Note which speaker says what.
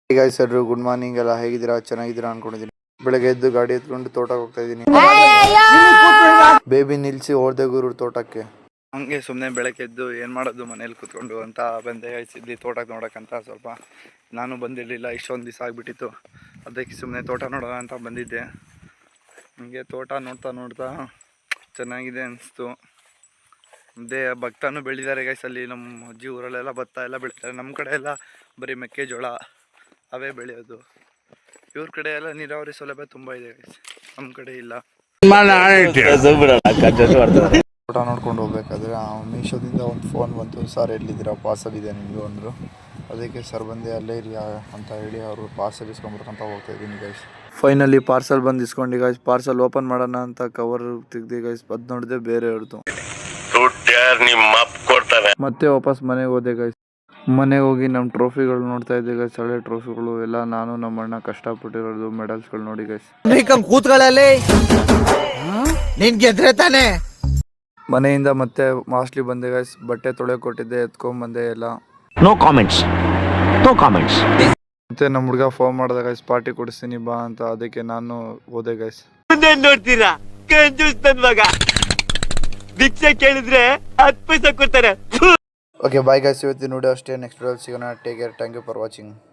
Speaker 1: Guys ಎಲ್ಲರೂ good morning. ಎಲ್ಲ ಹೇಗಿದ್ದೀರಾ? ಚೆನ್ನಾಗಿದ್ದೀರಾ ಅನ್ಕೊಂಡಿದ್ದೀನಿ. ಬೆಳಗ್ಗೆ ಎದ್ದು ಗಾಡಿ ಎತ್ಕೊಂಡು ತೋಟಕ್ಕೆ ಹೋಗ್ತಾ ಇದ್ದೀನಿ. ಬೇಬಿ ನಿಲ್ಸಿ ಹೋರ್ದೇಗೂರು ತೋಟಕ್ಕೆ. ಹಂಗೆ ಸುಮ್ಮನೆ ಬೆಳಗ್ಗೆ ಎದ್ದು ಏನು ಮಾಡೋದು ಮನೇಲಿ ಕೂತ್ಕೊಂಡು ಅಂತ ಬಂದೆ ಗೈಸ್ ಇಲ್ಲಿ ತೋಟಕ್ಕೆ ನೋಡೋಕ್ಕಂತ. ಸ್ವಲ್ಪ ನಾನು ಬಂದಿರಲಿಲ್ಲ, ಇಷ್ಟೊಂದು ದಿವಸ ಆಗಿಬಿಟ್ಟಿತ್ತು. ಅದಕ್ಕೆ ಸುಮ್ಮನೆ ತೋಟ ನೋಡೋಣ ಅಂತ ಬಂದಿದ್ದೆ. ಹಂಗೆ ತೋಟ ನೋಡ್ತಾ ನೋಡ್ತಾ ಚೆನ್ನಾಗಿದೆ ಅನಿಸ್ತು. ಅದೇ ಭತ್ತನೂ ಬೆಳೆದಿದ್ದಾರೆ ಗೈಸ್ ಅಲ್ಲಿ. ನಮ್ಮ ಅಜ್ಜಿ ಊರಲ್ಲೆಲ್ಲ ಭತ್ತ ಎಲ್ಲ ಬೆಳೀತಾರೆ. ನಮ್ಮ ಕಡೆ ಎಲ್ಲ ಬರೀ ಮೆಕ್ಕೆಜೋಳ ಅವೇ ಬೆಳೆಯೋದು. ಇವ್ರ ಕಡೆ ಎಲ್ಲ ನೀರಾವರಿ ಸೌಲಭ್ಯ ತುಂಬ ಇದೆ ಗೈಸ್, ನಮ್ಮ ಕಡೆ ಇಲ್ಲ. ಊಟ ನೋಡ್ಕೊಂಡು ಹೋಗ್ಬೇಕಾದ್ರೆ ಮೀಶೋದಿಂದ ಒಂದು ಫೋನ್ ಬಂತು. ಸರ್ ಎಲ್ಲಿದ್ದೀರಾ, ಪಾರ್ಸಲ್ ಇದೆ ನಿಮಗೂ ಅಂದರು. ಅದಕ್ಕೆ ಸರ್ ಬಂದೆ, ಅಲ್ಲೇ ಇರಿ ಅಂತ ಹೇಳಿ ಅವರು ಪಾರ್ಸಲ್ ಇಸ್ಕೊಂಬರ್ಕಂತ ಹೋಗ್ತಾ ಇದ್ದೀನಿ ಗೈಸ್. ಫೈನಲಿ ಪಾರ್ಸಲ್ ಬಂದು ಇಸ್ಕೊಂಡು ಗೈಸ್. ಪಾರ್ಸಲ್ ಓಪನ್ ಮಾಡೋಣ ಅಂತ ಕವರ್ ತೆಗ್ದು ಗೈಸ್, ಅದು ನೋಡಿದೆ ಬೇರೆ ಅವ್ರದ್ದು. ಮತ್ತೆ ವಾಪಸ್ ಮನೆಗೆ ಹೋದೆ ಗೈಸ್. ಮನೆಗೆ ಹೋಗಿ ನಮ್ಮ ಟ್ರೋಫಿಗಳು ನೋಡ್ತಾ ಇದ್ದೆ ಗೈಸ್. ಹಳೆ ಟ್ರೋಫಿಗಳು ಎಲ್ಲ ನಾನು ನಮ್ಮ ಅಣ್ಣ ಕಷ್ಟಪಟ್ಟಿರೋದು ಮೆಡಲ್ಸ್ಗಳು ನೋಡಿ ಗೈಸ್. ಮನೆಯಿಂದ ಮತ್ತೆ ಮಾಸ್ಟ್ಲಿ ಬಂದೆ ಗೈಸ್. ಬಟ್ಟೆ ತೊಳೆ ಕೊಟ್ಟಿದ್ದೆ, ಎತ್ಕೊಂಡ್ಬಂದೆ ಎಲ್ಲ.
Speaker 2: No comments.
Speaker 1: ಮತ್ತೆ ನಮ್ಮ ಹುಡುಗ ಫೋನ್ ಮಾಡ್ದೆ ಗೈಸ್, ಪಾರ್ಟಿ ಕೊಡಿಸ್ತೀನಿ ಬಾ ಅಂತ. ಅದಕ್ಕೆ ನಾನು ಹೋದೆ ಗೈಸ್.
Speaker 2: ನೋಡ್ತೀರಾ ಭಿಕ್ಷೆ ಕೇಳಿದ್ರೆ 10 ಪೈಸೆ ಕೊಡ್ತಾರೆ.
Speaker 1: ಓಕೆ ಬಾಯ್ ಗೈಸ್, ಇವತ್ತಿನ ವಿಡಿಯೋ ಅಷ್ಟೇ. ನೆಕ್ಸ್ಟ್ ವಿಡಿಯೋ ಸಿಗೋಣ. Take care, thank you for watching.